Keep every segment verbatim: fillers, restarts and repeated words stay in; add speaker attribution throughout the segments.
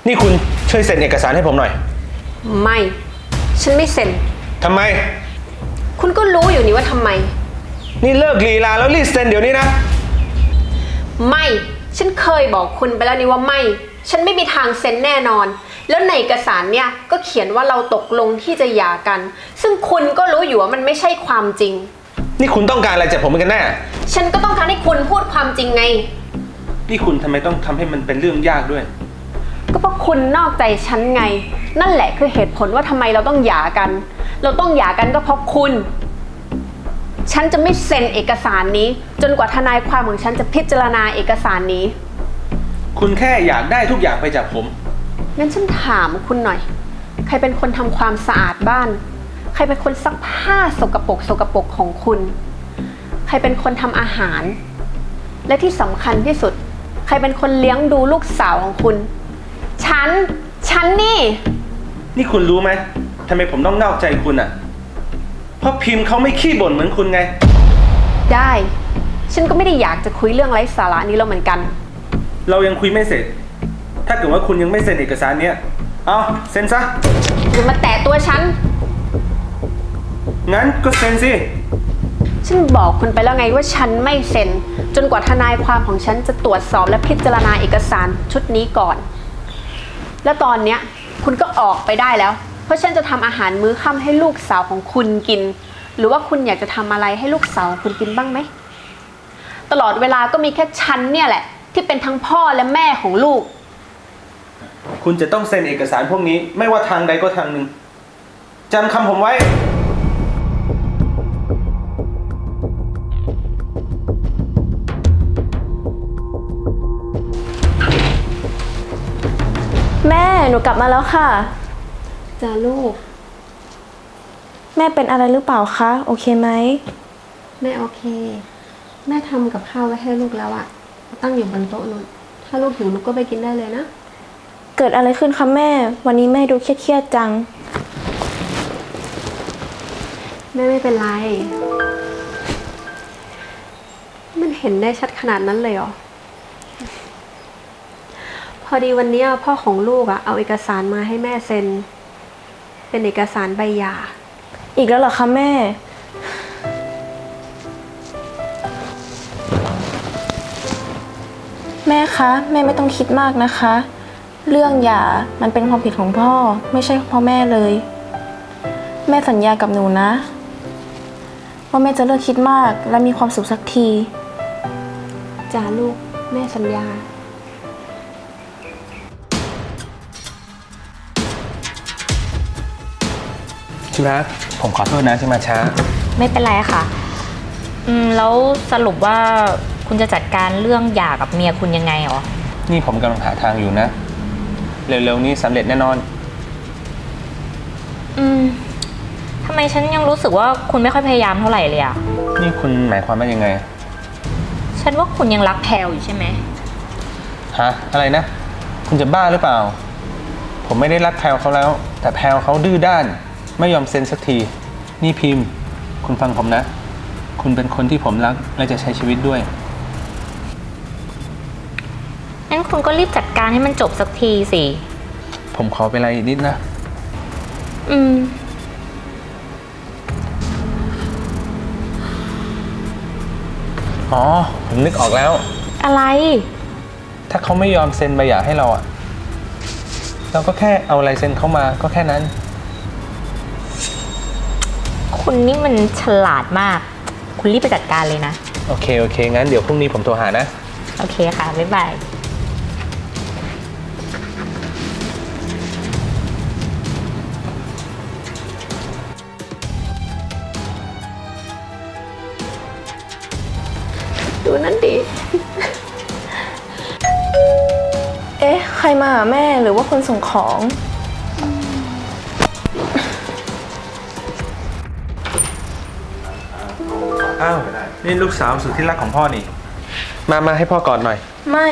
Speaker 1: นี่คุณช่วยเซ็นเอกสารให้ผมหน่อย
Speaker 2: ไม่ฉันไม่เซ็น
Speaker 1: ทำไม
Speaker 2: คุณก็รู้อยู่นี่ว่าทำไม
Speaker 1: นี่เลิกลีลาแล้วรีบเซ็นเดี๋ยวนี้นะ
Speaker 2: ไม่ฉันเคยบอกคุณไปแล้วนี่ว่าไม่ฉันไม่มีทางเซ็นแน่นอนแล้วในเอกสารเนี่ยก็เขียนว่าเราตกลงที่จะหย่ากันซึ่งคุณก็รู้อยู่ว่ามันไม่ใช่ความจริง
Speaker 1: นี่คุณต้องการอะไรจากผมกันแน่
Speaker 2: ฉันก็ต้องการให้คุณพูดความจริงไง
Speaker 1: นี่คุณทำไมต้องทำให้มันเป็นเรื่องยากด้วย
Speaker 2: ก็เพราะคุณนอกใจฉันไงนั่นแหละคือเหตุผลว่าทำไมเราต้องหย่ากันเราต้องหย่ากันก็เพราะคุณฉันจะไม่เซ็นเอกสารนี้จนกว่าทนายความของฉันจะพิจารณาเอกสารนี้
Speaker 1: คุณแค่อยากได้ทุกอย่างไปจากผม
Speaker 2: งั้นฉันถามคุณหน่อยใครเป็นคนทำความสะอาดบ้านใครเป็นคนซักผ้าสกปรกสกปรกของคุณใครเป็นคนทำอาหารและที่สำคัญที่สุดใครเป็นคนเลี้ยงดูลูกสาวของคุณฉันฉันนี่
Speaker 1: นี่คุณรู้ไหมทำไมผมต้องนอกใจคุณอ่ะเพราะพิมพ์เขาไม่ขี้บ่นเหมือนคุณไง
Speaker 2: ได้ฉันก็ไม่ได้อยากจะคุยเรื่องไร้สาระนี้แล้วเหมือนกัน
Speaker 1: เรายังคุยไม่เสร็จถ้าเกิดว่าคุณยังไม่เซ็นเอกสารเนี้ยเอาเซ็นซะ
Speaker 2: อย่ามาแตะตัวฉัน
Speaker 1: งั้นก็เซ็นสิ
Speaker 2: ฉันบอกคุณไปแล้วไงว่าฉันไม่เซ็นจนกว่าทนายความของฉันจะตรวจสอบและพิจารณาเอกสารชุดนี้ก่อนและตอนเนี้ยคุณก็ออกไปได้แล้วเพราะฉันจะทำอาหารมื้อค่ำให้ลูกสาวของคุณกินหรือว่าคุณอยากจะทำอะไรให้ลูกสาวคุณกินบ้างไหมตลอดเวลาก็มีแค่ฉันเนี่ยแหละที่เป็นทั้งพ่อและแม่ของลูก
Speaker 1: คุณจะต้องเซ็นเอกสารพวกนี้ไม่ว่าทางใดก็ทางหนึ่งจำคำผมไว้
Speaker 3: แม่หนูกลับมาแล้วค่ะ
Speaker 2: จ้าลูก
Speaker 3: แม่เป็นอะไรหรือเปล่าคะโอเคไหม
Speaker 2: แม่โอเคแม่ทำกับข้าวไว้ให้ลูกแล้วอะตั้งอยู่บนโต๊ะนู้นถ้าลูกหิวลูกก็ไปกินได้เลยนะ
Speaker 3: เกิดอะไรขึ้นคะแม่วันนี้แม่ดูเครียดๆจัง
Speaker 2: แม่ไม่เป็นไรมันเห็นได้ชัดขนาดนั้นเลยเหรอพอดีวันนี้พ่อของลูกอะเอาเอกสารมาให้แม่เซ็นเป็นเอกสารใบหย่า
Speaker 3: อีกแล้วเหรอคะแม่แม่คะแม่ไม่ต้องคิดมากนะคะเรื่องหย่ามันเป็นความผิดของพ่อไม่ใช่พ่อแม่เลยแม่สัญญากับหนูนะว่าแม่จะเลิกคิดมากและมีความสุขสักที
Speaker 2: จ้าลูกแม่สัญญา
Speaker 1: ชิรักผมขอโทษนะที่มาช้า
Speaker 4: ไม่เป็นไรค่ะอืมแล้วสรุปว่าคุณจะจัดการเรื่องหย่ากับเมียคุณยังไงหรอ
Speaker 1: นี่ผมกำลังหาทางอยู่นะเร็วๆนี้สำเร็จแน่นอน
Speaker 4: อืมทำไมฉันยังรู้สึกว่าคุณไม่ค่อยพยายามเท่าไหร่เลยอ่ะ
Speaker 1: นี่คุณหมายความว่ายังไง
Speaker 4: ฉันว่าคุณยังรักแพลวอยู่ใช่ไหม
Speaker 1: ฮะอะไรนะคุณจะบ้าหรือเปล่าผมไม่ได้รักแพลวเขาแล้วแต่แพลวเขาดื้อด้านไม่ยอมเซ็นสักทีนี่พิมพ์คุณฟังผมนะคุณเป็นคนที่ผมรักและจะใช้ชีวิตด้วย
Speaker 4: งั้นคุณก็รีบจัดการให้มันจบสักทีสิ
Speaker 1: ผมขอเวลาอีกนิดนะ
Speaker 4: อืม
Speaker 1: อ๋อผมนึกออกแล้ว
Speaker 4: อะไร
Speaker 1: ถ้าเขาไม่ยอมเซ็นใบหย่าให้เราอะเราก็แค่เอาลายเซ็นเขามาก็แค่นั้น
Speaker 4: คุณนี่มันฉลาดมากคุณรีบไปจัดการเลยนะ
Speaker 1: โอเคโอเคงั้นเดี๋ยวพรุ่งนี้ผมโทรหานะ
Speaker 4: โอเคค่ะบ๊ายบาย
Speaker 2: ดูนั่นดิ
Speaker 3: เอ๊ะใครมาหาแม่หรือว่าคนส่งของ
Speaker 1: อ้าวนี่ลูกสาวสุดที่รักของพ่อนี่มามาให้พ่อกอดหน่อย
Speaker 3: ไม่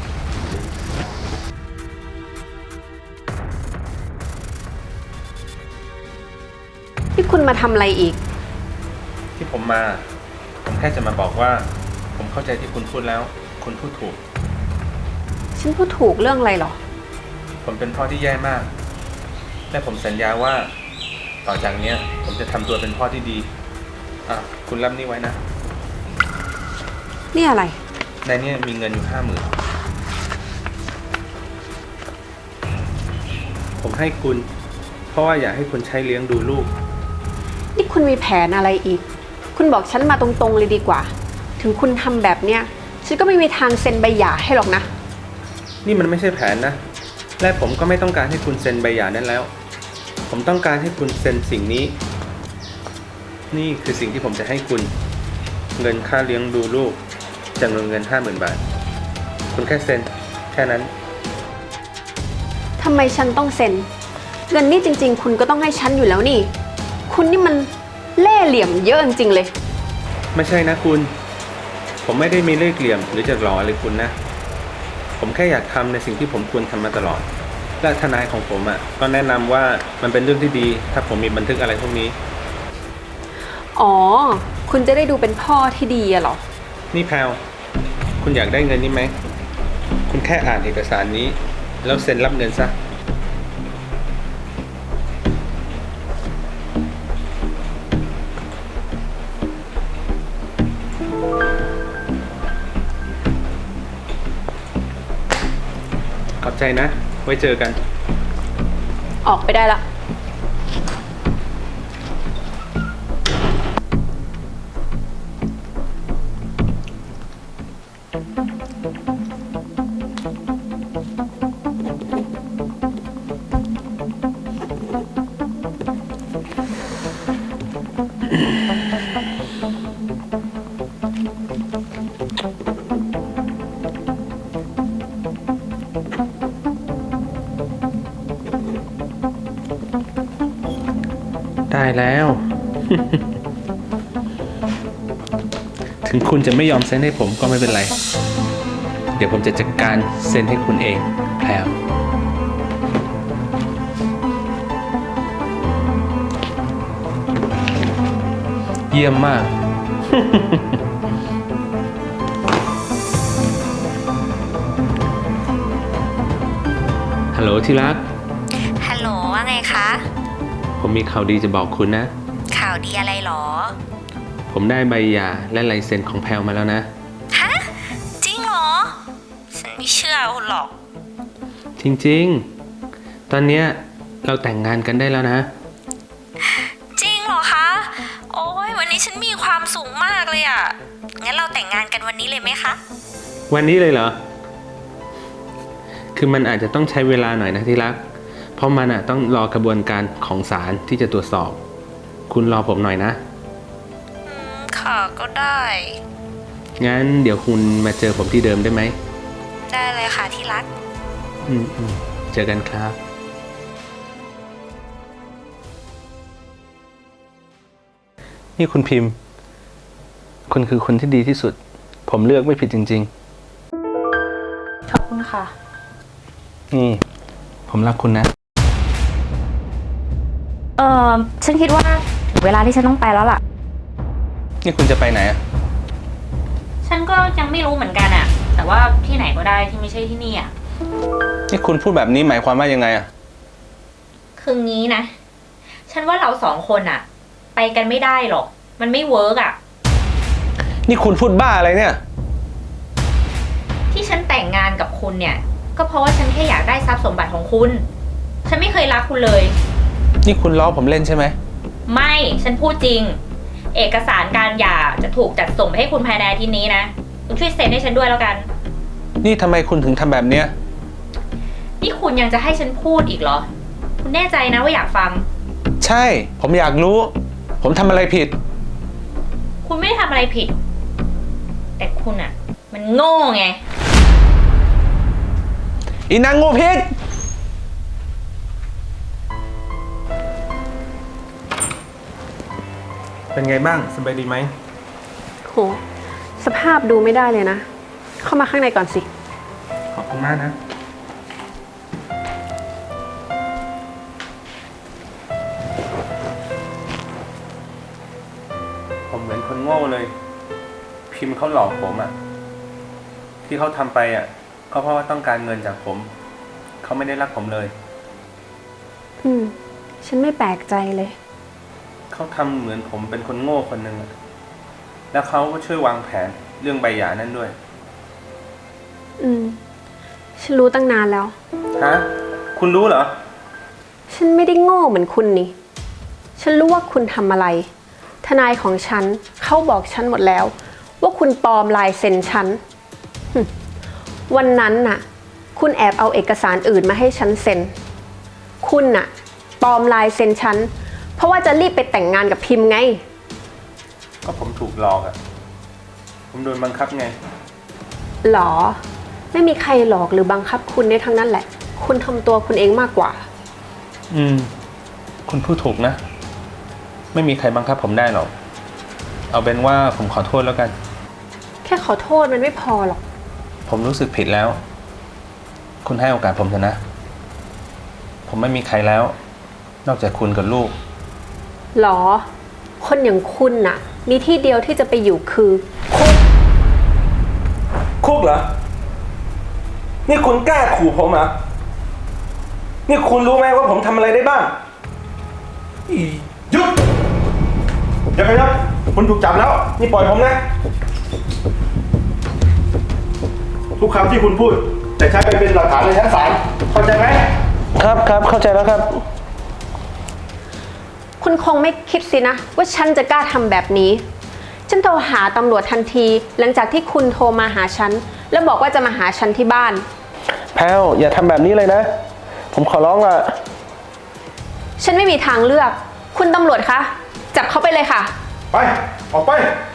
Speaker 2: ที่คุณมาทำอะไรอีก
Speaker 1: ที่ผมมาผมแค่จะมาบอกว่าผมเข้าใจที่คุณพูดแล้วคุณพูดถูก
Speaker 2: ฉันพูดถูกเรื่องอะไรหรอ
Speaker 1: ผมเป็นพ่อที่แย่มาก และผมสัญญาว่า ต่อจากเนี้ย ผมจะทำตัวเป็นพ่อที่ดี อ่ะ คุณรับนี่ไว้นะ
Speaker 2: นี่อะไร
Speaker 1: ในนี้มีเงินอยู่ห้าหมื่นผมให้คุณ เพราะว่าอยากให้คุณใช้เลี้ยงดูลูก
Speaker 2: นี่คุณมีแผนอะไรอีก คุณบอกฉันมาตรงๆเลยดีกว่า ถึงคุณทำแบบเนี้ย ฉันก็ไม่มีทางเซ็นใบหย่าให้หรอกนะ
Speaker 1: นี่มันไม่ใช่แผนนะ และผมก็ไม่ต้องการให้คุณเซ็นใบหย่านั้นแล้ว ผมต้องการให้คุณเซ็นสิ่งนี้ นี่คือสิ่งที่ผมจะให้คุณ เงินค่าเลี้ยงดูลูกจำนวนเงินห้าหมื่นบาท คุณแค่เซ็นแค่นั้น
Speaker 2: ทำไมฉันต้องเซ็น เงินนี่จริงๆ คุณก็ต้องให้ฉันอยู่แล้วนี่ คุณนี่มันเล่ห์เหลี่ยมเยอะจริงๆเลย
Speaker 1: ไม่ใช่นะคุณ ผมไม่ได้มีเล่ห์เหลี่ยมหรือจะหลอกอะไรคุณนะ ผมแค่อยากทำในสิ่งที่ผมควรทำมาตลอด และทนายของผมอ่ะก็แนะนำว่ามันเป็นเรื่องที่ดี ถ้าผมมีบันทึกอะไรพวกนี้
Speaker 2: อ๋อ คุณจะได้ดูเป็นพ่อที่ดีอะเหรอ
Speaker 1: นี่แพลวคุณอยากได้เงินนี้ไหม คุณแค่อ่านเอกสารนี้ แล้วเซ็นรับเงินซะ ขอบใจนะ ไว้เจอกัน
Speaker 2: ออกไปได้ละ
Speaker 1: ได้แล้ว ถึงคุณจะไม่ยอมเซ็นให้ผมก็ไม่เป็นไร เดี๋ยวผมจะจัดการเซ็นให้คุณเองแพลวเยี่ยมมาก ฮัลโหลที่รัก
Speaker 4: ฮัลโหลว่าไงคะ
Speaker 1: ผมมีข่าวดีจะบอกคุณนะ
Speaker 4: ข่าวดีอะไรหรอ
Speaker 1: ผมได้ใบหย่าและลายเซ็นของแพลวมาแล้วนะ
Speaker 4: ฮะ จริงเหรอ ฉันไม่เชื่อคุณหรอก
Speaker 1: จริงๆ ตอนเนี้ยเราแต่งงานกันได้แล้วนะ
Speaker 4: จริงเหรอคะ โอ้ยวันนี้ฉันมีความสุขมากเลยอะงั้นเราแต่งงานกันวันนี้เลยไหมคะ
Speaker 1: วันนี้เลยเหรอ คือมันอาจจะต้องใช้เวลาหน่อยนะที่รัก เพราะมันอ่ะต้องรอกระบวนการของศาลที่จะตรวจสอบ คุณรอผมหน่อยนะ
Speaker 4: อืม ค่ะก็ได้
Speaker 1: งั้นเดี๋ยวคุณมาเจอผมที่เดิมได้ไหม
Speaker 4: ได้เลยค่ะที่รัก
Speaker 1: อืมอืมเจอกันครับ นี่คุณพิมพ์ คุณคือคนที่ดีที่สุด ผมเลือกไม่ผิดจริง
Speaker 3: ขอบคุณค่ะ
Speaker 1: ๆ นี่ ผมรักคุณนะ
Speaker 4: เออฉันคิดว่าถึงเวลาที่ฉันต้องไปแล้วล่ะ
Speaker 1: นี่คุณจะไปไหนอ่ะ
Speaker 4: ฉันก็ยังไม่รู้เหมือนกันอะแต่ว่าที่ไหนก็ได้ที่ไม่ใช่ที่นี่อะ
Speaker 1: นี่คุณพูดแบบนี้หมายความว่ายังไงอ่ะ
Speaker 4: คืองี้นะ ฉันว่าเราสองคนอะไปกันไม่ได้หรอก มันไม่เวิร์กอะ
Speaker 1: นี่คุณพูดบ้าอะไรเนี่ย
Speaker 4: ที่ฉันแต่งงานกับคุณเนี่ย ก็เพราะว่าฉันแค่อยากได้ทรัพย์สมบัติของคุณ ฉันไม่เคยรักคุณเลย
Speaker 1: นี่คุณล้อผมเล่นใช่ไหม
Speaker 4: ไม่ ฉันพูดจริง เอกสารการหย่าจะถูกจัดส่งไปให้คุณภายในอาทิตย์นี้นะ คุณช่วยเซ็นให้ฉันด้วยแล้วกัน
Speaker 1: นี่ทำไมคุณถึงทำแบบเนี้ย
Speaker 4: นี่คุณยังจะให้ฉันพูดอีกเหรอ คุณแน่ใจนะว่าอยากฟัง
Speaker 1: ใช่ ผมอยากรู้ ผมทำอะไรผิด
Speaker 4: คุณไม่ได้ทำอะไรผิด แต่คุณอะมันโง่ไง
Speaker 1: อีนางงูพิษ เป็นไงบ้าง สบายดีไหม
Speaker 2: โห สภาพดูไม่ได้เลยนะ เข้ามาข้างในก่อนสิ
Speaker 1: ขอบคุณมากนะ ผมเหมือนคนโง่เลย พิมพ์เขาหลอกผมอะ่ะ ที่เขาทำไปอะ่ะก็เพราะว่าต้องการเงินจากผม เเขาไม่ได้รักผมเลย
Speaker 2: อืม ฉันไม่แปลกใจเลย
Speaker 1: เขาทำเหมือนผมเป็นคนโง่คนหนึ่งอะแล้วเขาก็ช่วยวางแผนเรื่องใบหย่านั่นด้วย
Speaker 2: อืม ฉันรู้ตั้งนานแล้ว
Speaker 1: ฮะ คุณรู้เหรอ
Speaker 2: ฉันไม่ได้โง่เหมือนคุณนี่ ฉันรู้ว่าคุณทำอะไร ทนายของฉันเขาบอกฉันหมดแล้ว ว่าคุณปลอมลายเซ็นฉันหึวันนั้นน่ะ คุณแอบเอาเอกสารอื่นมาให้ฉันเซ็น คุณน่ะปลอมลายเซ็นฉัน เพราะว่าจะรีบไปแต่งงานกับพิมพ์ไง
Speaker 1: ก็ผมถูกหลอกอะผมโดนบังคับไง
Speaker 2: หรอ ไม่มีใครหลอกหรือบังคับคุณได้ทั้งนั้นแหละ คุณทำตัวคุณเองมากกว่า
Speaker 1: อืม คุณพูดถูกนะ ไม่มีใครบังคับผมได้หรอก เอาเป็นว่าผมขอโทษแล้วกัน
Speaker 2: แค่ขอโทษมันไม่พอหรอก
Speaker 1: ผมรู้สึกผิดแล้ว คุณให้โอกาสผมเถอะนะ ผมไม่มีใครแล้ว นอกจากคุณกับลูก
Speaker 2: หรอ คนอย่างคุณน่ะ มีที่เดียวที่จะไปอยู่คือคุก
Speaker 1: คุกเหรอ นี่คุณกล้าขู่ผมเหรอ นี่คุณรู้ไหมว่าผมทำอะไรได้บ้าง
Speaker 5: อีหยุดอย่าขยับคุณถูกจับแล้ว นี่ปล่อยผมนะ ทุกคำที่คุณพูดจะใช้ไปเป็นหลักฐานในชั้นศาลเข้าใจไหม
Speaker 1: ครับครับเข้าใจแล้วครับ
Speaker 2: คุณคงไม่คิดสินะ ว่าฉันจะกล้าทำแบบนี้ ฉันโทรหาตำรวจทันที หลังจากที่คุณโทรมาหาฉัน แล้วบอกว่าจะมาหาฉันที่บ้าน
Speaker 1: แพลวอย่าทำแบบนี้เลยนะ ผมขอร้องอ่ะ
Speaker 2: ฉันไม่มีทางเลือก คุณตำรวจคะ จับเขาไปเลยค่ะ
Speaker 5: ไป ออกไป